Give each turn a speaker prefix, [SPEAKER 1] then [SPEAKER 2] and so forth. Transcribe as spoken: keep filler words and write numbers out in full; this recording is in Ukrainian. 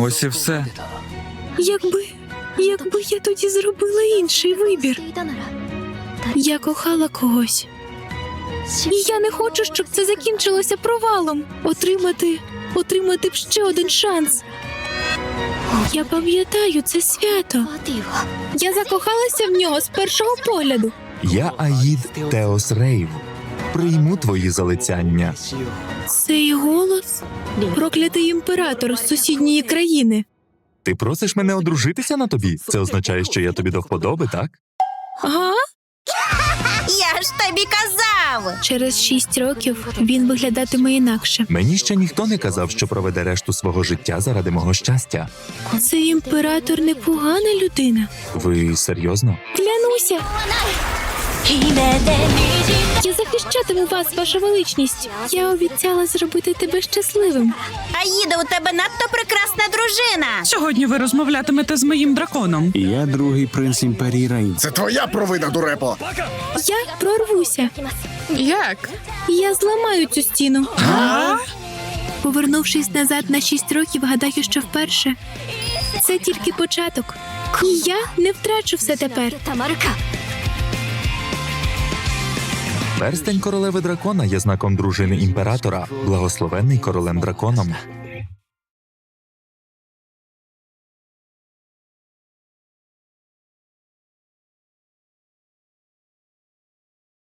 [SPEAKER 1] Ось і все.
[SPEAKER 2] Якби, якби я тоді зробила інший вибір. Я кохала когось. І я не хочу, щоб це закінчилося провалом. Отримати, отримати б ще один шанс. Я пам'ятаю це свято. Я закохалася в нього з першого погляду.
[SPEAKER 3] Я Аїд Теос Рейв. Прийму твої залицяння.
[SPEAKER 2] Цей голос – проклятий імператор з сусідньої країни.
[SPEAKER 3] Ти просиш мене одружитися на тобі? Це означає, що я тобі до вподоби, так?
[SPEAKER 2] Ага.
[SPEAKER 4] Я ж тобі казав!
[SPEAKER 2] Через шість років він виглядатиме інакше.
[SPEAKER 3] Мені ще ніхто не казав, що проведе решту свого життя заради мого щастя.
[SPEAKER 2] Цей імператор непогана людина.
[SPEAKER 3] Ви серйозно?
[SPEAKER 2] Клянуся. Я захищатиму вас, ваша величність. Я обіцяла зробити тебе щасливим.
[SPEAKER 4] Аїда, у тебе надто прекрасна дружина!
[SPEAKER 5] Сьогодні ви розмовлятимете з моїм драконом.
[SPEAKER 6] Я другий принц імперії Рейн.
[SPEAKER 7] Це твоя провина, дурепо!
[SPEAKER 2] Я прорвуся.
[SPEAKER 5] Як?
[SPEAKER 2] Я зламаю цю стіну. Повернувшись назад на шість років, гадаю, що вперше. Це тільки початок. І я не втрачу все тепер.
[SPEAKER 3] Перстень королеви дракона є знаком дружини імператора, благословенний королем драконом.